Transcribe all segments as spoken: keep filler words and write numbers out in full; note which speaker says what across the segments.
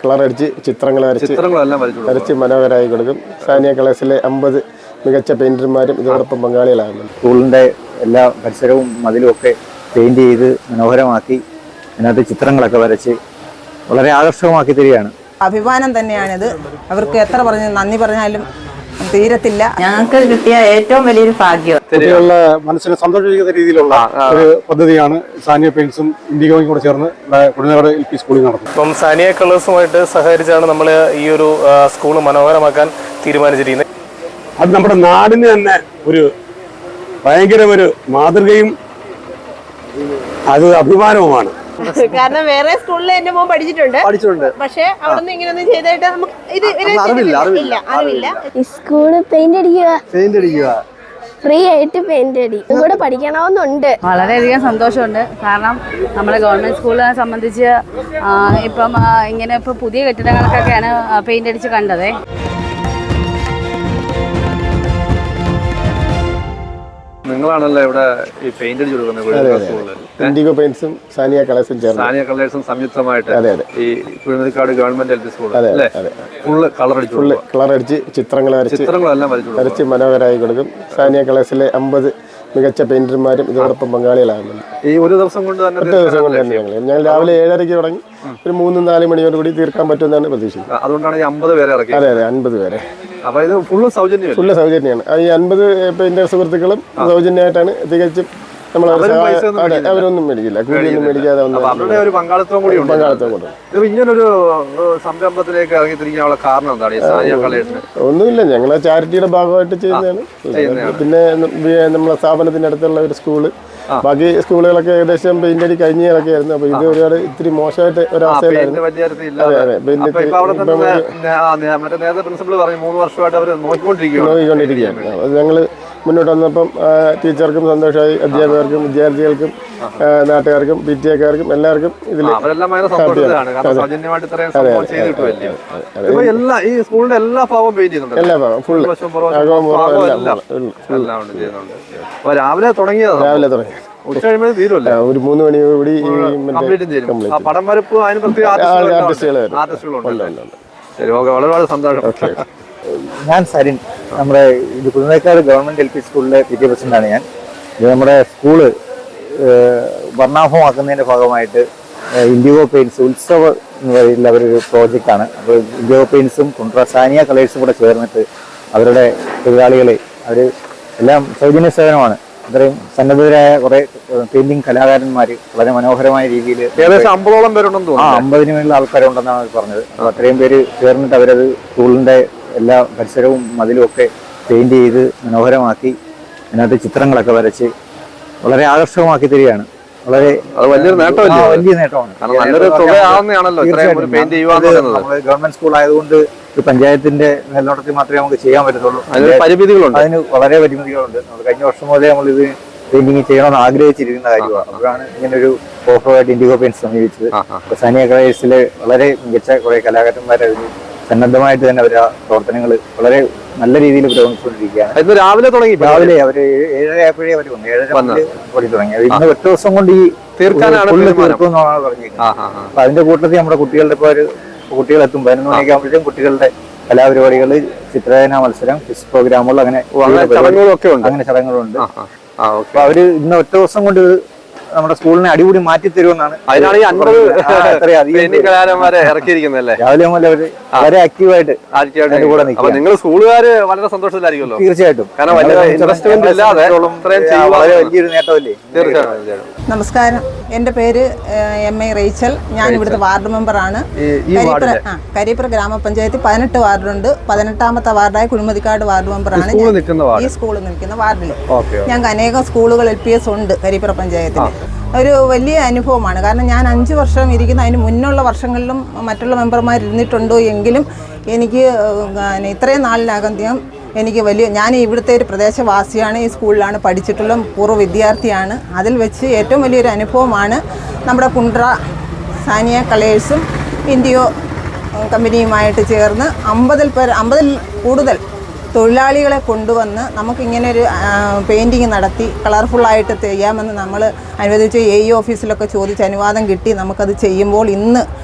Speaker 1: Colour അടിച്ച് ചിത്രങ്ങൾ വരച്ച് വരച്ച് മനോഹരമായി കൊടുക്കും. സാനിയ കളേഴ്സിലെ അമ്പത് മികച്ച പെയിന്റർമാരും ഇതോടൊപ്പം പങ്കാളികളാകുന്നുണ്ട്.
Speaker 2: സ്കൂളിൻ്റെ എല്ലാ പരിസരവും മതിലും ഒക്കെ പെയിന്റ് ചെയ്ത് മനോഹരമാക്കി അതിനകത്ത് ചിത്രങ്ങളൊക്കെ വരച്ച് വളരെ ആകർഷകമാക്കി തരികയാണ്.
Speaker 3: അഭിമാനം തന്നെയാണിത്. അവർക്ക് എത്ര പറഞ്ഞ് നന്ദി പറഞ്ഞാലും തീരത്തില്ല.
Speaker 4: ഞങ്ങൾക്ക് കിട്ടിയ ഏറ്റവും വലിയൊരു ഭാഗ്യം.
Speaker 5: കുട്ടികളുടെ മനസ്സിനെ സന്തോഷിക്കുന്ന രീതിയിലുള്ള ഒരു പദ്ധതിയാണ് സാനിയ പെയിന്റ്സും ഇൻഡിഗോയും കൂടെ ചേർന്ന് കുട്ടനാട് എൽ പി സ്കൂളിൽ നടത്തുന്നത്.
Speaker 6: ഇപ്പം സാനിയ കളേഴ്സുമായിട്ട് സഹകരിച്ചാണ് നമ്മൾ ഈ ഒരു സ്കൂൾ മനോഹരമാക്കാൻ തീരുമാനിച്ചിരിക്കുന്നത്.
Speaker 5: അത് നമ്മുടെ നാടിന് തന്നെ ഒരു ഭയങ്കര ഒരു മാതൃകയും അത് അഭിമാനവുമാണ്.
Speaker 7: കാരണം വേറെ സ്കൂളിൽ എന്റെ മോൻ പഠിച്ചിട്ടുണ്ട് പഠിച്ചിട്ടുണ്ട് പക്ഷെ അവിടെ നിന്ന് ഇങ്ങനെയൊന്നും ചെയ്തിട്ട് നമുക്ക് ഇത് അറിവില്ല അറിവില്ല.
Speaker 8: സ്കൂള് പെയിന്റ് അടിക്കുക പെയിന്റ് അടിക്കുക ഫ്രീ ആയിട്ട് പെയിന്റ് അടി കൂടെ പഠിക്കണമെന്നുണ്ട്.
Speaker 4: വളരെയധികം സന്തോഷമുണ്ട്. കാരണം നമ്മുടെ ഗവൺമെന്റ് സ്കൂളിനെ സംബന്ധിച്ച് ഇപ്പം ഇങ്ങനെ ഇപ്പൊ പുതിയ കെട്ടിടങ്ങൾക്കൊക്കെയാണ് പെയിന്റ് അടിച്ച് കണ്ടത്.
Speaker 9: നിങ്ങളാണല്ലോ ഇവിടെ ഈ പെയിന്റ് അടിച്ചു കൊടുക്കുന്നത്.
Speaker 1: ഇൻഡിഗോ പെയിന്റ്സും സാനിയ കളേഴ്സും ചേർന്ന്
Speaker 9: സാനിയ കളേഴ്സും സംയുക്തമായിട്ട് ഈ Kuzhimathikkad government L P school full colour അടിച്ചു
Speaker 1: ഫുള്ള് കളർ അടിച്ച് ചിത്രങ്ങൾ വരച്ച്
Speaker 9: ചിത്രങ്ങളെല്ലാം
Speaker 1: വരച്ച് മനോഹരമായി കൊടുക്കും. സാനിയ കളേഴ്സിലെ അമ്പത് മികച്ച പെയിന്റർമാരും ഇതോടൊപ്പം പങ്കാളികളാകുന്നുണ്ട്.
Speaker 9: ഈ ഒരു ദിവസം കൊണ്ട് തന്നെ
Speaker 1: ഒറ്റ ദിവസം കൊണ്ട് തന്നെ ഞങ്ങൾ ഞങ്ങൾ രാവിലെ ഏഴരയ്ക്ക് തുടങ്ങി ഒരു മൂന്ന് നാല് മണിയോട് കൂടി തീർക്കാൻ പറ്റുമെന്നാണ് പ്രതീക്ഷിക്കുന്നത്.
Speaker 9: അതുകൊണ്ടാണ് ഈ അമ്പത് പേരെ ഇറക്കി.
Speaker 1: അതെ അതെ അൻപത് പേരെ.
Speaker 9: അപ്പൊ ഇത് ഫുള്ള് സൗജന്യം
Speaker 1: ഫുള്ള് സൗജന്യമാണ്. ഈ അൻപത് പെയിന്റർ സുഹൃത്തുക്കളും സൗജന്യമായിട്ടാണ് തികച്ചും നമ്മൾ അവരൊന്നും മേടിക്കില്ല, കൂലിയൊന്നും മേടിക്കാതെ
Speaker 9: പങ്കാളിത്തം കൂടി പങ്കാളിത്തം കൊണ്ട് ഇങ്ങനൊരു സംരംഭത്തിലേക്ക് ഇറങ്ങി തിരിക്കാനുള്ള കാരണം എന്താണ്?
Speaker 1: ഒന്നുമില്ല, ഞങ്ങളെ ചാരിറ്റിയുടെ ഭാഗമായിട്ട് ചെയ്യുന്നതാണ്. പിന്നെ നമ്മളെ സ്ഥാപനത്തിന്റെ അടുത്തുള്ള ഒരു സ്കൂള്, ബാക്കി സ്കൂളുകളൊക്കെ ഏകദേശം പെയിന്റ് അടി കഴിഞ്ഞൊക്കെ ആയിരുന്നു. അപ്പൊ ഇത് ഒരുപാട് ഇത്തിരി മോശമായിട്ട് ഒരവസ്ഥയിലായിരുന്നു. നോക്കിക്കൊണ്ടിരിക്കുകയാണ്. അത് ഞങ്ങള് മുന്നോട്ട് വന്നപ്പം ടീച്ചർക്കും സന്തോഷമായി, അധ്യാപകർക്കും വിദ്യാർത്ഥികൾക്കും നാട്ടുകാർക്കും പി ടി എക്കാർക്കും എല്ലാവർക്കും ഇതിൽ
Speaker 9: എല്ലാ ഭാഗവും
Speaker 1: എല്ലാ ഭാഗം ഫുള്ള്
Speaker 9: രാവിലെ തുടങ്ങിയത്
Speaker 1: രാവിലെ തുടങ്ങി ഒരു മൂന്ന് മണിയോടുകൂടി
Speaker 9: വളരെ സന്തോഷം.
Speaker 2: ഞാൻ സരിൻ, നമ്മുടെ ഇത് കുന്നേക്കാട് ഗവൺമെന്റ് എൽ പി സ്കൂളിലെ പി ടി എ പ്രസിഡന്റാണ് ഞാൻ. ഇത് നമ്മുടെ സ്കൂള് വർണ്ണാഭമാക്കുന്നതിന്റെ ഭാഗമായിട്ട് ഇൻഡിഗോ പെയിന്റ്സ് ഉത്സവ എന്ന് പറയുന്ന അവരൊരു പ്രോജക്റ്റാണ്. അപ്പോൾ ഇൻഡിഗോ പെയിന്റ്സും കുണ്ട്ര സാനിയ കളേഴ്സും കൂടെ ചേർന്നിട്ട് അവരുടെ തൊഴിലാളികളെ അവർ എല്ലാം സൗജന്യ സേവനമാണ്. അത്രയും സന്നദ്ധരായ കുറെ പെയിന്റിംഗ് കലാകാരന്മാർ വളരെ മനോഹരമായ രീതിയിൽ
Speaker 9: ഏകദേശം അമ്പതോളം പേരുണ്ടെന്ന്
Speaker 2: ആ അമ്പതിന് മേളിൽ ആൾക്കാരുണ്ടെന്നാണ് അവർ പറഞ്ഞത്. അപ്പോൾ അത്രയും പേര് ചേർന്നിട്ട് അവരത് സ്കൂളിന്റെ എല്ലാ പരിസരവും മതിലും ഒക്കെ പെയിന്റ് ചെയ്ത് മനോഹരമാക്കി അതിനകത്ത് ചിത്രങ്ങളൊക്കെ വരച്ച് വളരെ ആകർഷകമാക്കി തരികയാണ്. വളരെ
Speaker 9: വലിയൊരു നേട്ടമല്ലേ?
Speaker 2: വലിയ നേട്ടമാണ്. ഗവൺമെന്റ് സ്കൂൾ ആയതുകൊണ്ട് ഒരു പഞ്ചായത്തിന്റെ മേൽനോട്ടത്തിൽ മാത്രമേ നമുക്ക് ചെയ്യാൻ പറ്റത്തുള്ളൂ.
Speaker 9: പരിമിതികളുണ്ട്,
Speaker 2: അതിന് വളരെ പരിമിതികളുണ്ട്. നമ്മൾ കഴിഞ്ഞ വർഷം മുതലേ നമ്മൾ ഇത് പെയിന്റിങ് ചെയ്യണമെന്ന് ആഗ്രഹിച്ചിരിക്കുന്ന കാര്യമാണ്. അപ്പോഴാണ് ഇങ്ങനെ ഒരു ഓഫറായിട്ട് ഇൻഡിഗോ പെയിന്റ് സമീപിച്ചത്. സാനിയ കളേഴ്സിലെ വളരെ മികച്ച കുറെ കലാകാരന്മാരെ അതിന് സന്നദ്ധമായിട്ട് തന്നെ അവർ ആ പ്രവർത്തനങ്ങൾ വളരെ നല്ല രീതിയിൽ പുരോഗമിച്ചുകൊണ്ടിരിക്കുകയാണ്.
Speaker 9: രാവിലെ തുടങ്ങി
Speaker 2: രാവിലെ അവര് ഏഴര ആയപ്പോഴേ അവർ വന്നു. ഏഴര പണി തുടങ്ങി. ഇന്ന് ഒറ്റ ദിവസം കൊണ്ട് ഈ
Speaker 9: തീർക്കാനാണ്
Speaker 2: തീർക്കുമെന്നാണ് പറഞ്ഞിരിക്കുന്നത്. അപ്പൊ അതിന്റെ കൂട്ടത്തിൽ നമ്മുടെ കുട്ടികളുടെ ഇപ്പൊ ഒരു കുട്ടികളെത്തും പതിനൊന്ന് മണിയൊക്കെ ആകുമ്പോഴത്തേക്കും കുട്ടികളുടെ കലാപരിപാടികൾ, ചിത്രരചനാ മത്സരം, ക്വിസ് പ്രോഗ്രാമുകൾ, അങ്ങനെ അങ്ങനെ ചടങ്ങുകളുണ്ട്. അപ്പൊ അവര് ഇന്ന് ഒറ്റ ദിവസം കൊണ്ട് നമ്മുടെ സ്കൂളിനെ അടിപൊളി മാറ്റി തരുമെന്നാണ്.
Speaker 9: അതിനാണ് ഈ അൻപത് കലാകാരന്മാരെ ഇറക്കിയിരിക്കുന്നത്.
Speaker 2: രാവിലെ മുതൽ അവര് വളരെ ആക്റ്റീവായിട്ട് കൂടെ നിൽക്കും.
Speaker 9: നിങ്ങൾ സ്കൂളുകാര് വളരെ സന്തോഷത്തിലായിരിക്കുമല്ലോ?
Speaker 2: തീർച്ചയായിട്ടും.
Speaker 9: കാരണം
Speaker 2: വളരെ വലിയൊരു നേട്ടമല്ലേ?
Speaker 3: നമസ്കാരം, എൻ്റെ പേര് എം എ റേച്ചൽ. ഞാൻ ഇവിടുത്തെ വാർഡ് മെമ്പറാണ്. കരിപ്പുറ കരിപ്പുറ ഗ്രാമപഞ്ചായത്തിൽ പതിനെട്ട് വാർഡുണ്ട്. പതിനെട്ടാമത്തെ വാർഡായ കുഴിമതിക്കാട് വാർഡ് മെമ്പറാണ്. ഈ സ്കൂളിൽ നിൽക്കുന്ന വാർഡിൽ ഞങ്ങൾക്ക് അനേകം സ്കൂളുകൾ എൽ പി എസ് ഉണ്ട് കരിപ്പുറ പഞ്ചായത്തിൽ. ഒരു വലിയ അനുഭവമാണ്. കാരണം ഞാൻ അഞ്ച് വർഷം ഇരിക്കുന്ന, അതിന് മുന്നുള്ള വർഷങ്ങളിലും മറ്റുള്ള മെമ്പർമാർ ഇരുന്നിട്ടുണ്ടോ എങ്കിലും എനിക്ക് ഇത്രയും നാളിനകം എനിക്ക് വലിയ, ഞാൻ ഇവിടുത്തെ ഒരു പ്രദേശവാസിയാണ്, ഈ സ്കൂളിലാണ് പഠിച്ചിട്ടുള്ള പൂർവ്വ വിദ്യാർത്ഥിയാണ്. അതിൽ വെച്ച് ഏറ്റവും വലിയൊരു അനുഭവമാണ് നമ്മുടെ കുണ്ട്ര സാനിയ കളേഴ്സും ഇൻഡിഗോ കമ്പനിയുമായിട്ട് ചേർന്ന് അമ്പതിൽ പേർ അമ്പതിൽ കൂടുതൽ തൊഴിലാളികളെ കൊണ്ടുവന്ന് നമുക്കിങ്ങനെ ഒരു പെയിൻറ്റിങ് നടത്തി കളർഫുള്ളായിട്ട് ചെയ്യാമെന്ന് നമ്മൾ അനുവദിച്ച് എ ഇ ഓഫീസിലൊക്കെ ചോദിച്ച് അനുവാദം കിട്ടി നമുക്കത് ചെയ്യുമ്പോൾ ഇന്ന്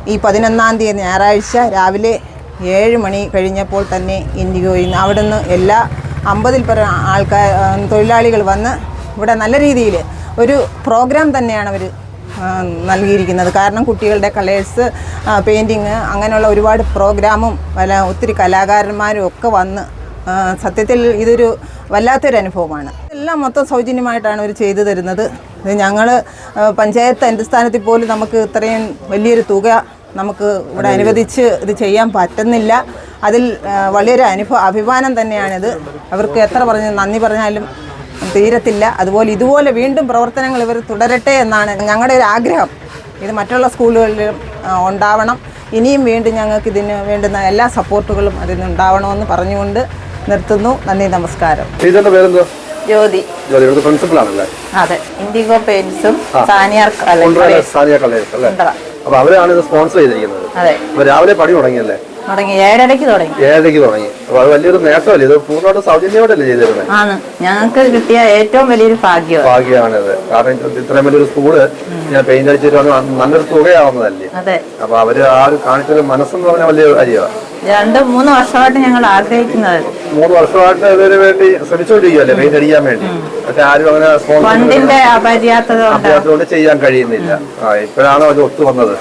Speaker 3: ഈ പതിനൊന്നാം തീയതി ഞായറാഴ്ച രാവിലെ ഏഴ് മണി കഴിഞ്ഞപ്പോൾ തന്നെ ഇൻഡിഗോയിൽ നിന്ന് അവിടെ നിന്ന് എല്ലാ അമ്പതിൽ പരം ആൾക്കാർ തൊഴിലാളികൾ വന്ന് ഇവിടെ നല്ല രീതിയിൽ ഒരു പ്രോഗ്രാം തന്നെയാണ് അവർ നൽകിയിരിക്കുന്നത്. കാരണം കുട്ടികളുടെ കളേഴ്സ്, പെയിൻറ്റിങ്, അങ്ങനെയുള്ള ഒരുപാട് പ്രോഗ്രാമും പല ഒത്തിരി കലാകാരന്മാരും ഒക്കെ വന്ന് സത്യത്തിൽ ഇതൊരു വല്ലാത്തൊരു അനുഭവമാണ്. എല്ലാം മൊത്തം സൗജന്യമായിട്ടാണ് അവർ ചെയ്തു തരുന്നത്. ഇത് ഞങ്ങൾ പഞ്ചായത്ത് അടിസ്ഥാനത്തിൽ പോലും നമുക്ക് ഇത്രയും വലിയൊരു തുക നമുക്ക് ഇവിടെ അനുവദിച്ച് ഇത് ചെയ്യാൻ പറ്റുന്നില്ല. അതിൽ വലിയൊരു അനുഭവ അഭിമാനം തന്നെയാണിത്. അവർക്ക് എത്ര പറഞ്ഞ് നന്ദി പറഞ്ഞാലും തീരത്തില്ല. അതുപോലെ ഇതുപോലെ വീണ്ടും പ്രവർത്തനങ്ങൾ ഇവർ തുടരട്ടെ എന്നാണ് ഞങ്ങളുടെ ഒരു ആഗ്രഹം. ഇത് മറ്റുള്ള സ്കൂളുകളിലും ഉണ്ടാവണം. ഇനിയും വീണ്ടും ഞങ്ങൾക്ക് ഇതിന് വേണ്ടുന്ന എല്ലാ സപ്പോർട്ടുകളും അതിന് ഉണ്ടാവണമെന്ന് പറഞ്ഞുകൊണ്ട് നിർത്തുന്നു. നന്ദി, നമസ്കാരം.
Speaker 9: പേരെന്തോ?
Speaker 7: ജ്യോതി.
Speaker 9: ജ്യോതി പ്രിൻസിപ്പൽ ആണല്ലേ?
Speaker 7: അതെ. ഇൻഡിഗോ പെയിന്റ്സും സാനിയ
Speaker 9: സാനിയ കളേഴ്സ് അല്ലേ? അപ്പൊ അവരാണ് ഇത് സ്പോൺസർ ചെയ്തിരിക്കുന്നത്.
Speaker 7: അതെ.
Speaker 9: അപ്പൊ രാവിലെ പണി തുടങ്ങിയല്ലേ?
Speaker 7: തുടങ്ങി ഏഴരയ്ക്ക് തുടങ്ങി
Speaker 9: ഏഴരയ്ക്ക് തുടങ്ങി. അപ്പൊ അത് വലിയൊരു നേട്ടമല്ലേ? ഇത് പൂർണ്ണമായിട്ട് സൗജന്യമായിട്ടല്ലേ ചെയ്തിരുന്നത്?
Speaker 7: ആണ്. ഞങ്ങൾക്ക് കിട്ടിയ ഏറ്റവും വലിയൊരു ഭാഗ്യം
Speaker 9: ഭാഗ്യമാണിത്. കാരണം ഇത്രയും വലിയൊരു സ്കൂള് ഞാൻ പെയിന്റ് അടിച്ചിട്ട് നല്ലൊരു തുകയാവുന്നതല്ലേ?
Speaker 7: അതെ.
Speaker 9: അപ്പൊ അവര് ആ ഒരു കാണിച്ചൊരു മനസ്സെന്ന് പറഞ്ഞാൽ വലിയ കാര്യമാണ്.
Speaker 7: രണ്ട് മൂന്ന് വർഷമായിട്ട് ഞങ്ങൾ ആഗ്രഹിക്കുന്നത്.
Speaker 9: മൂന്ന് വർഷമായിട്ട് ഇതിനു വേണ്ടി ശ്രമിച്ചുകൊണ്ടിരിക്കുകയല്ലേ പെയിന്റ് അടിക്കാൻ വേണ്ടി. പക്ഷെ ആരും അങ്ങനെ
Speaker 7: ഫണ്ടിന്റെ അപര്യാപ്തത
Speaker 9: കൊണ്ട് ചെയ്യാൻ കഴിയുന്നില്ല. ആ ഇപ്പോഴാണ് അത് ഒത്തു വന്നത്.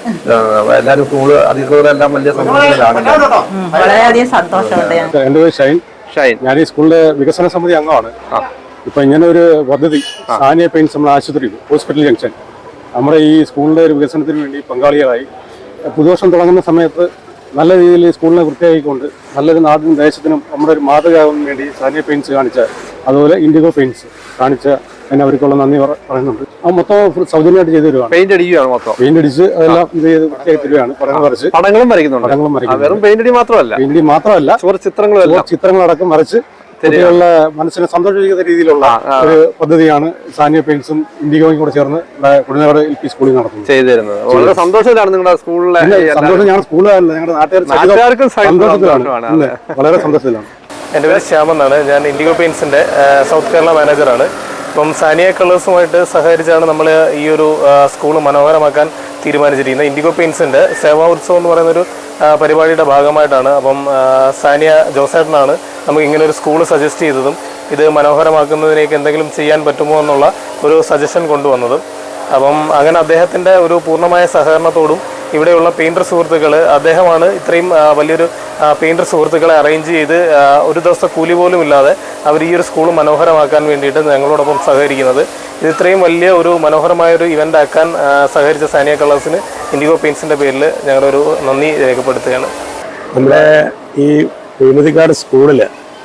Speaker 9: എല്ലാരും സ്കൂള് അധികൃതരെല്ലാം വലിയ സന്തോഷത്തിലാണ്.
Speaker 7: വളരെയധികം സന്തോഷമുണ്ട്.
Speaker 5: എന്റെ പേര് ഷൈൻ. ഷൈൻ ഞാൻ ഈ സ്കൂളിലെ വികസന സമിതി അംഗമാണ്. ഇപ്പൊ ഇങ്ങനെ ഒരു പദ്ധതി സാനിയ പെയിന്റ്സ് നമ്മുടെ ആശുപത്രി ഹോസ്പിറ്റൽ ജംഗ്ഷൻ നമ്മുടെ ഈ സ്കൂളിന്റെ ഒരു വികസനത്തിന് വേണ്ടി പങ്കാളികളായി പുതുവർഷം തുടങ്ങുന്ന സമയത്ത് നല്ല രീതിയിൽ സ്കൂളിനെ വൃത്തിയാക്കിക്കൊണ്ട് നല്ലൊരു നാടിനും ദേശത്തിനും നമ്മുടെ ഒരു മാതൃകയാകാൻ വേണ്ടി സാനിയ പെയിന്റ്സ് കാണിച്ച, അതുപോലെ ഇൻഡിഗോ പെയിന്റ്സ് കാണിച്ച അതിന് അവർക്കുള്ള നന്ദി പറയുന്നുണ്ട്. ആ മൊത്തം സൗജന്യമായിട്ട് ചെയ്തു തരുവാണ്.
Speaker 9: പെയിന്റ് അടിക്കുകയാണ് മൊത്തം.
Speaker 5: പെയിന്റ് അടിച്ച് അതെല്ലാം ഇത് ചെയ്ത് വൃത്തിയാക്കി തരുവാണ്. പടങ്ങൾ വരച്ച്
Speaker 9: പടങ്ങളും വരയ്ക്കുന്നുണ്ട്.
Speaker 5: പടങ്ങളും വരയ്ക്കുന്നു.
Speaker 9: വെറും പെയിന്റ് അടി മാത്രമല്ല
Speaker 5: പെയിന്റ് മാത്രമല്ല
Speaker 9: ചിത്രങ്ങളും
Speaker 5: ചിത്രങ്ങളടക്കം വരച്ച് കുട്ടികളുടെ മനസ്സിനെ സന്തോഷിക്കുന്ന രീതിയിലുള്ള ഒരു പദ്ധതിയാണ് സാനിയ പെയിന്റ്സും ഇൻഡിഗോയും കൂടെ ചേർന്ന് കുടിനേട് എൽ പി സ്കൂളിൽ നടത്തുന്നത്.
Speaker 9: ചെയ്തിരുന്നത് വളരെ സന്തോഷത്തിലാണ് നിങ്ങളുടെ സ്കൂളിലെ
Speaker 5: സന്തോഷം. ഞങ്ങളുടെ സ്കൂളുകാരല്ല, ഞങ്ങളുടെ നാട്ടുകാർക്ക് സന്തോഷത്തിലാണ്, വളരെ സന്തോഷത്തിലാണ്.
Speaker 6: എൻ്റെ പേര് ശ്യാം എന്നാണ്. ഞാൻ ഇൻഡിഗോ പെയിന്റ്സിന്റെ സൗത്ത് കേരള മാനേജറാണ്. ഇപ്പം സാനിയ കളേഴ്സുമായിട്ട് സഹകരിച്ചാണ് നമ്മൾ ഈ ഒരു സ്കൂൾ മനോഹരമാക്കാൻ തീരുമാനിച്ചിരിക്കുന്നത്. ഇൻഡിഗോ പെയിന്റ്സിന്റെ സേവാ ഉത്സവം എന്ന് പറയുന്നൊരു പരിപാടിയുടെ ഭാഗമായിട്ടാണ്. അപ്പം സാനിയ ജോസേട്ടനാണ് നമുക്ക് ഇങ്ങനെ ഒരു സ്കൂൾ സജസ്റ്റ് ചെയ്തതും ഇത് മനോഹരമാക്കുന്നതിനേക്ക് എന്തെങ്കിലും ചെയ്യാൻ പറ്റുമോ എന്നുള്ള ഒരു സജഷൻ കൊണ്ടുവന്നതും. അപ്പം അങ്ങനെ അദ്ദേഹത്തിൻ്റെ ഒരു പൂർണ്ണമായ സഹകരണത്തോടും ഇവിടെയുള്ള പെയിൻറ്റർ സുഹൃത്തുക്കൾ, അദ്ദേഹമാണ് ഇത്രയും വലിയൊരു പെയിൻറ്റർ സുഹൃത്തുക്കളെ അറേഞ്ച് ചെയ്ത് ഒരു ദിവസത്തെ കൂലി പോലും ഇല്ലാതെ അവർ ഈ ഒരു സ്കൂൾ മനോഹരമാക്കാൻ വേണ്ടിയിട്ട് ഞങ്ങളോടൊപ്പം സഹകരിക്കുന്നത്. ഇത് ഇത്രയും വലിയ ഒരു മനോഹരമായൊരു ഇവൻ്റ് ആക്കാൻ സഹകരിച്ച സാനിയ കളേഴ്സിന് ഇൻഡിഗോ പെയിൻറ്റ്സിൻ്റെ പേരിൽ ഞങ്ങളൊരു നന്ദി രേഖപ്പെടുത്തുകയാണ്.
Speaker 10: നമ്മുടെ ഈ കുഴിമതിക്കാട് സ്കൂളിൽ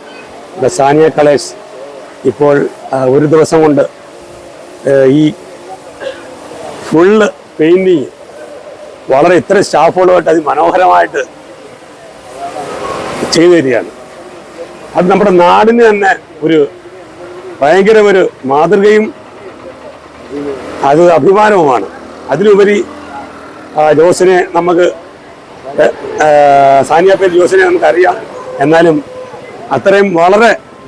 Speaker 10: സാനിയ കളേഴ്സ് ഇപ്പോൾ ഒരു ദിവസം കൊണ്ട് ഈ ഫുള്ള് പെയിൻറ്റിങ് വളരെ ഇത്ര സ്റ്റാഫുകളുമായിട്ട് അതിമനോഹരമായിട്ട് ചെയ്തു തരികയാണ്. അത് നമ്മുടെ നാടിന് തന്നെ ഒരു ഭയങ്കര ഒരു മാതൃകയും അത് അഭിമാനവുമാണ്. അതിലുപരി ജോസിനെ നമുക്ക് സാനിയ പേര് ജോസിനെ നമുക്കറിയാം. എന്നാലും അത്രയും വളരെ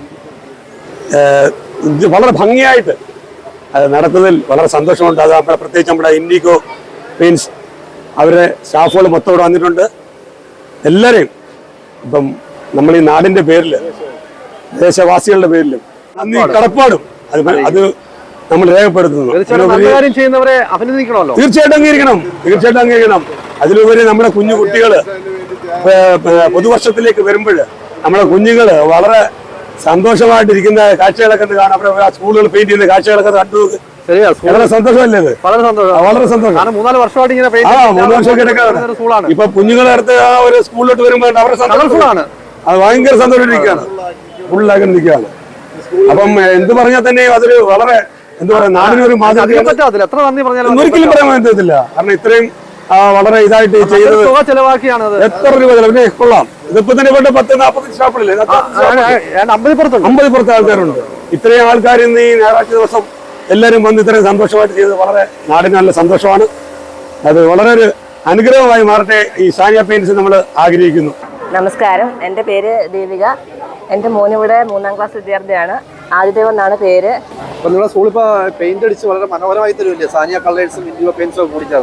Speaker 10: വളരെ ഭംഗിയായിട്ട് അത് നടത്തുന്നതിൽ വളരെ സന്തോഷമുണ്ട്. അത് നമ്മുടെ പ്രത്യേകിച്ച് നമ്മുടെ ഇൻഡിഗോ പെയിന്റ്സ് അവരുടെ സ്റ്റാഫുകൾ മൊത്തം ഇവിടെ വന്നിട്ടുണ്ട്. എല്ലാവരെയും ഇപ്പം നമ്മൾ ഈ നാടിന്റെ പേരിൽ ദേശവാസികളുടെ പേരിലും നന്ദി കടപ്പാടും അത് അത് നമ്മൾ രേഖപ്പെടുത്തുന്നു. തീർച്ചയായിട്ടും അംഗീകരിക്കണം, തീർച്ചയായിട്ടും അംഗീകരിക്കണം. അതിലുപരി നമ്മുടെ കുഞ്ഞു കുട്ടികള് പുതുവർഷത്തിലേക്ക് വരുമ്പോൾ നമ്മുടെ കുഞ്ഞുങ്ങള് വളരെ സന്തോഷമായിട്ടിരിക്കുന്ന കാഴ്ചകളൊക്കെ കാണാം. അവിടെ സ്കൂളുകൾ പെയിന്റ് ചെയ്യുന്ന കാഴ്ചകളൊക്കെ കണ്ടു. വളരെ സന്തോഷമല്ലേ? ഇത് വളരെ സന്തോഷം, വളരെ സന്തോഷം. മൂന്നാല് വർഷമായിട്ട് ഇങ്ങനെ ആ മൂന്ന് വർഷമൊക്കെ ഇപ്പൊ കുഞ്ഞുങ്ങളെ അടുത്ത് ആ ഒരു സ്കൂളിലോട്ട് വരുമ്പോൾ അവരുടെ സന്തോഷമാണ്. അത് ഭയങ്കര സന്തോഷമായിട്ടിരിക്കുകയാണ്, ഫുള്ളാക്കി നിൽക്കുകയാണ്. അപ്പം എന്ത് പറഞ്ഞാൽ തന്നെയും അതൊരു വളരെ എന്താ പറയാ നാടിനൊരു മാതൃക ഒരിക്കലും പറയാൻ പറ്റത്തില്ല. കാരണം ഇത്രയും വളരെ ഇതായിട്ട് ചെയ്തത് എത്ര രൂപ പിന്നെ കൊള്ളാം. ഇതിപ്പോ തന്നെ ഇവിടെ പത്ത് നാൽപ്പത്തി സ്റ്റാഫുകളില്ലേ, അമ്പതിപ്പുറത്ത് ആൾക്കാരുണ്ട്. ഇത്രയും ആൾക്കാർ ഇന്ന് ഈ ഞായറാഴ്ച ദിവസം എല്ലാവരും വന്ന് ഇത്രയും സന്തോഷമായിട്ട് ചെയ്തത് വളരെ നാടിന് നല്ല സന്തോഷമാണ്. അത് വളരെ ഒരു അനുഗ്രഹമായി മാറട്ടെ ഈ സാനിയ പെയിന്റ്സ് നമ്മൾ ആഗ്രഹിക്കുന്നു.
Speaker 11: നമസ്കാരം, എൻ്റെ പേര് ദീപിക. എൻ്റെ മോനിവിടെ മൂന്നാം ക്ലാസ് വിദ്യാർത്ഥിയാണ്. ആദിദേവ് എന്നാണ് പേര്.
Speaker 9: അപ്പൊ നിങ്ങളുടെ സ്കൂളിൽ ഇപ്പൊ പെയിന്റ് അടിച്ച് വളരെ മനോഹരമായി തരുമല്ലേ സാനിയ കളേഴ്സും ഇൻഡിഗോ പെയിന്റ്സും കൂടി ചേർന്ന്?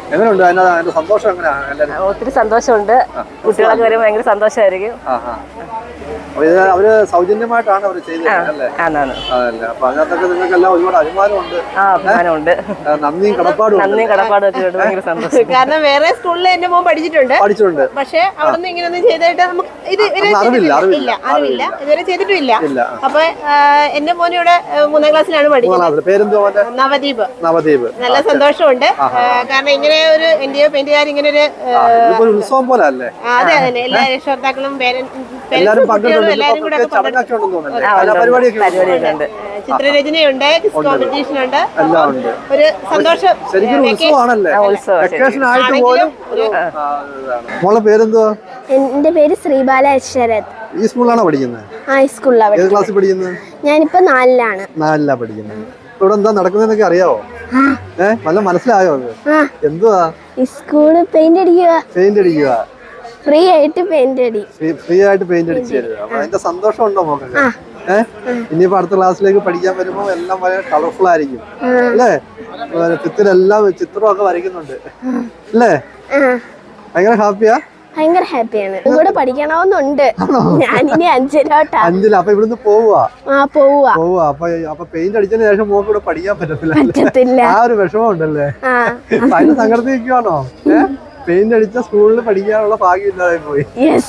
Speaker 9: എങ്ങനെയുണ്ട് അതിന്റെ അതിന്റെ സന്തോഷം എങ്ങനെയാണ് എല്ലാവരും?
Speaker 11: ഒത്തിരി സന്തോഷമുണ്ട്. കുട്ടികളൊക്കെ വരുമ്പോൾ ഭയങ്കര സന്തോഷമായിരിക്കും.
Speaker 9: അപ്പൊ ഇത് അവര് സൗജന്യമായിട്ടാണ് അവർ ചെയ്തത് അല്ലേ?
Speaker 11: ആണാണ്.
Speaker 9: അതല്ലേ, അപ്പൊ അതിനകത്തൊക്കെ നിങ്ങൾക്കെല്ലാം ഒരുപാട് അഭിമാനമുണ്ട്.
Speaker 11: ആ അഭിമാനമുണ്ട്.
Speaker 9: നന്ദിയും കടപ്പാടും
Speaker 11: നന്ദിയും കടപ്പാടും ഒക്കെ ഉണ്ട്. ഭയങ്കര സന്തോഷം.
Speaker 7: കാരണം വേറെ സ്കൂളിൽ എന്റെ മോൻ പഠിച്ചിട്ടുണ്ട്
Speaker 9: പഠിച്ചിട്ടുണ്ട്
Speaker 7: പക്ഷെ അവിടെ നിന്ന് ഇങ്ങനെയൊന്നും ചെയ്തിട്ട് നമുക്ക് ഇത് ഇവരെ
Speaker 9: അറിവില്ല
Speaker 7: ഇല്ല അറിവില്ല ഇതുവരെ ചെയ്തിട്ടില്ല. അപ്പൊ എന്റെ മോൻ ഇവിടെ മൂന്നാം ക്ലാസ്സിലാണ് പഠിക്കുന്നത്.
Speaker 9: പേരെന്തോ?
Speaker 7: നവദീപ്.
Speaker 9: നവദീപ്.
Speaker 7: നല്ല സന്തോഷമുണ്ട്. കാരണം ഇങ്ങനെ ഒരു ഇന്ത്യ പെയിന്റുകാർ ഇങ്ങനെ ഒരു
Speaker 9: ഉത്സവം പോലെ അല്ലേ?
Speaker 7: അതെ അതെ എല്ലാ രക്ഷകർത്താക്കളും
Speaker 9: എല്ലാരും
Speaker 7: എല്ലാരും കൂടെ
Speaker 9: പരിപാടിയൊക്കെ
Speaker 7: ചിത്രരചനയുണ്ട്, കോമ്പറ്റീഷൻ ഉണ്ട്, ഒരു സന്തോഷം.
Speaker 9: ശരിക്കും ഉത്സവമാണല്ലേ? വെക്കേഷൻ ആയിട്ട് പോലും. മോളെ പേരെന്തുവാ?
Speaker 8: എന്റെ പേര് ശ്രീബാല അക്ഷരത്.
Speaker 9: ഈ സ്കൂളിലാണോ പഠിക്കുന്നത്?
Speaker 8: ആ ഈ സ്കൂളിലാണ്.
Speaker 9: ഏത് ക്ലാസ്സിൽ പഠിക്കുന്നത്?
Speaker 8: ഞാനിപ്പോ നാലിലാണ്.
Speaker 9: നാലിലാ പഠിക്കുന്നത്. ഇവിടെ എന്താ നടക്കുന്നതെന്നൊക്കെ അറിയാവോ? ഏഹ് വല്ല മനസ്സിലായോ? എന്തുവാ?
Speaker 8: ഈ സ്കൂള് പെയിന്റ് അടിക്കുക.
Speaker 9: പെയിന്റ് അടിക്കുക.
Speaker 8: ഫ്രീ ആയിട്ട് പെയിന്റ് അടി.
Speaker 9: ഫ്രീ ആയിട്ട് പെയിന്റ് അടിച്ചു തരുക. അപ്പൊ അതിന്റെ സന്തോഷം ഉണ്ടോ മോക്കൊക്കെ? ഏഹ് ഇനിയിപ്പോ അടുത്ത ക്ലാസ്സിലേക്ക് പഠിക്കാൻ വരുമ്പോ എല്ലാം വളരെ കളർഫുൾ ആയിരിക്കും അല്ലേ? ചിത്രമെല്ലാം ചിത്രമൊക്കെ വരയ്ക്കുന്നുണ്ട് അല്ലേ? ഭയങ്കര ഹാപ്പിയാ?
Speaker 8: ഭയങ്കര ഹാപ്പിയാണ്. കൂടെ പഠിക്കണമെന്നുണ്ട്. ഞാനിനി അഞ്ചിലോട്ടാ.
Speaker 9: അഞ്ചില. അപ്പൊ ഇവിടുന്ന് പോവുക?
Speaker 8: ആ പോവുക.
Speaker 9: പോവുക. അപ്പൊ അപ്പൊ പെയിന്റ് അടിച്ചതിന് ശേഷം മോക്ക് ഇവിടെ പഠിക്കാൻ പറ്റത്തില്ല.
Speaker 8: പറ്റത്തില്ല.
Speaker 9: ആ ഒരു വിഷമം ഉണ്ടല്ലേ? അതിന് സങ്കടത്തിൽ നിൽക്കുവാണോ? ഏഹ് പെയിന്റ് അടിച്ച സ്കൂളിൽ പഠിക്കാനുള്ള ഭാഗ്യം ഇല്ലാതെ പോയി.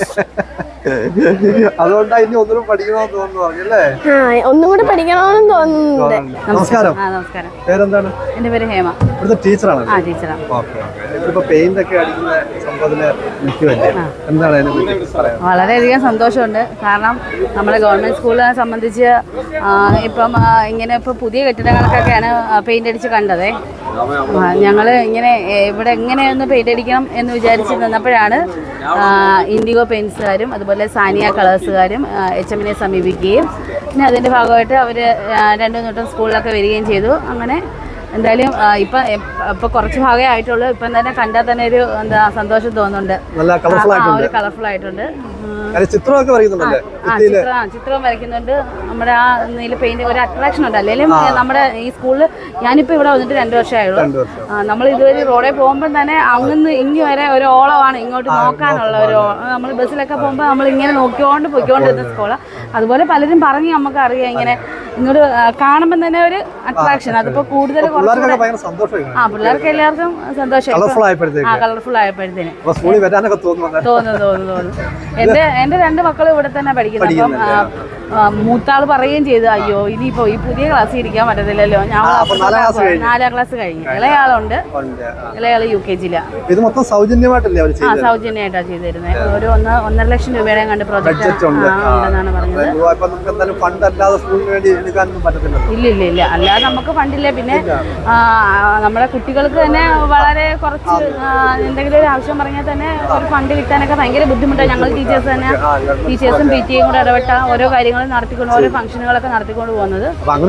Speaker 9: അതുകൊണ്ടാ ഇനി ഒന്നും പഠിക്കണമെന്ന് തോന്നുന്നു പറഞ്ഞല്ലേ?
Speaker 8: ഒന്നും കൂടെ പഠിക്കണമെന്ന് തോന്നുന്നുണ്ട്.
Speaker 9: നമസ്കാരം.
Speaker 4: നമസ്കാരം.
Speaker 9: പേരെന്താണ്?
Speaker 4: എന്റെ പേര് ഹേമ.
Speaker 9: ഇവിടുത്തെ ടീച്ചറാണ്?
Speaker 4: ആ ടീച്ചറാണ്.
Speaker 9: ഇപ്പൊ പെയിന്റ് ഒക്കെ അടിക്കുന്ന സംഭവത്തില് നിൽക്കുമല്ലേ, എന്താണ് അതിനെ പറ്റി പറയാൻ?
Speaker 4: വളരെയധികം സന്തോഷമുണ്ട്. കാരണം നമ്മുടെ ഗവൺമെന്റ് സ്കൂളിനെ സംബന്ധിച്ച് ഇപ്പം ഇങ്ങനെ ഇപ്പൊ പുതിയ കെട്ടിടങ്ങൾക്കൊക്കെയാണ് പെയിന്റ് അടിച്ച് കണ്ടത്. ഞങ്ങൾ ഇങ്ങനെ ഇവിടെ എങ്ങനെയൊന്ന് പെയിന്റ് അടിക്കണം എന്ന് വിചാരിച്ച് നിന്നപ്പോഴാണ് ഇൻഡിഗോ പെയിൻസുകാരും അതുപോലെ സാനിയ കളേഴ്സുകാരും എച്ച് എമ്മിനെ സമീപിക്കുകയും പിന്നെ അതിൻ്റെ ഭാഗമായിട്ട് അവർ രണ്ടു മൂന്നും സ്കൂളിലൊക്കെ വരികയും ചെയ്തു. അങ്ങനെ എന്തായാലും ഇപ്പം ഇപ്പം കുറച്ച് ഭാഗമേ ആയിട്ടുള്ളൂ. ഇപ്പം തന്നെ കണ്ടാൽ തന്നെ ഒരു എന്താ സന്തോഷം തോന്നുന്നുണ്ട്. ഒരു കളർഫുൾ ആയിട്ടുണ്ട്.
Speaker 9: ചിത്രമൊക്കെ വരയ്ക്കുന്നുണ്ടല്ലേ?
Speaker 4: ആ ചിത്രം ചിത്രവും വരയ്ക്കുന്നുണ്ട്. നമ്മുടെ ആ നീല പെയിന്റ് ഒരു അട്രാക്ഷൻ ഉണ്ട്. അല്ലെങ്കിലും നമ്മുടെ ഈ സ്കൂളിൽ ഞാനിപ്പോൾ ഇവിടെ വന്നിട്ട് രണ്ടു വർഷമായുള്ളൂ. നമ്മൾ ഇതുവരെ റോഡിൽ പോകുമ്പോൾ തന്നെ അങ്ങന്ന് ഇങ്ങ് വരെ ഒരു ഓളമാണ് ഇങ്ങോട്ട് നോക്കാനുള്ള ഒരു. നമ്മൾ ബസ്സിലൊക്കെ പോകുമ്പോൾ നമ്മൾ ഇങ്ങനെ നോക്കിക്കൊണ്ട് പൊയ്ക്കൊണ്ടിരുന്ന സ്കൂളാണ്. അതുപോലെ പലരും പറഞ്ഞ് നമുക്ക് അറിയാം ഇങ്ങനെ ഇങ്ങോട്ട് കാണുമ്പോൾ തന്നെ ഒരു അട്രാക്ഷൻ. അതിപ്പോൾ കൂടുതൽ ആ പിള്ളേർക്ക് എല്ലാവർക്കും സന്തോഷം. ആ കളർഫുൾ ആയപ്പോഴത്തേന് തോന്നുന്നു തോന്നുന്നു തോന്നുന്നു. എന്റെ എന്റെ രണ്ട് മക്കളും ഇവിടെ തന്നെ പഠിക്കുന്നത്. അപ്പം മൂത്താൾ പറയുകയും ചെയ്തു, അയ്യോ ഇനിയിപ്പോ ഈ പുതിയ ക്ലാസ്സിൽ ഇരിക്കാൻ പറ്റത്തില്ലല്ലോ. ഞാൻ നാലാം ക്ലാസ് കഴിഞ്ഞു. ഇളയാളുണ്ട്. ഇളയാള് യു കെ ജിയിലാണ്.
Speaker 9: ആ
Speaker 4: സൗജന്യമായിട്ടാണ് ചെയ്തിരുന്നത്. ഒരു ഒന്ന് ഒന്നര ലക്ഷം രൂപയുടെ കണ്ട് പ്രോജക്റ്റ് ഉണ്ടെന്നാണ് പറഞ്ഞത്. ഇല്ല ഇല്ല ഇല്ല അല്ലാതെ നമുക്ക് ഫണ്ടില്ല. പിന്നെ നമ്മുടെ കുട്ടികൾക്ക് തന്നെ വളരെ കുറച്ച് എന്തെങ്കിലും ഒരു ആവശ്യം പറഞ്ഞാൽ തന്നെ ഒരു ഫണ്ട് കിട്ടാനൊക്കെ ഭയങ്കര ബുദ്ധിമുട്ടാണ്. ഞങ്ങൾ ടീച്ചേഴ്സ് തന്നെ ടീച്ചേഴ്സും പി ടി എയും കൂടെ ഇടപെട്ട ഓരോ കാര്യങ്ങളും നടത്തിക്കൊണ്ട് ഓരോ ഫംഗ്ഷനുകളൊക്കെ നടത്തിക്കൊണ്ട് പോകുന്നത്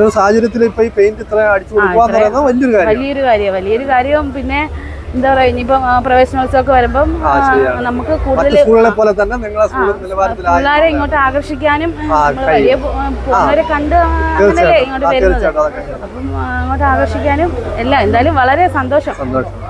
Speaker 4: വലിയൊരു കാര്യം വലിയൊരു കാര്യം. പിന്നെ എന്താ പറയാ ഇനിയിപ്പം പ്രവേശനോത്സവമൊക്കെ വരുമ്പം നമുക്ക് കൂടുതൽ പിള്ളേരെ ഇങ്ങോട്ട് ആകർഷിക്കാനും വലിയ പോകുന്നവരെ കണ്ട് അങ്ങനെയല്ലേ ഇങ്ങോട്ട് വരുന്നത്. അപ്പം അങ്ങോട്ട് ആകർഷിക്കാനും എല്ലാം എന്തായാലും വളരെ സന്തോഷം.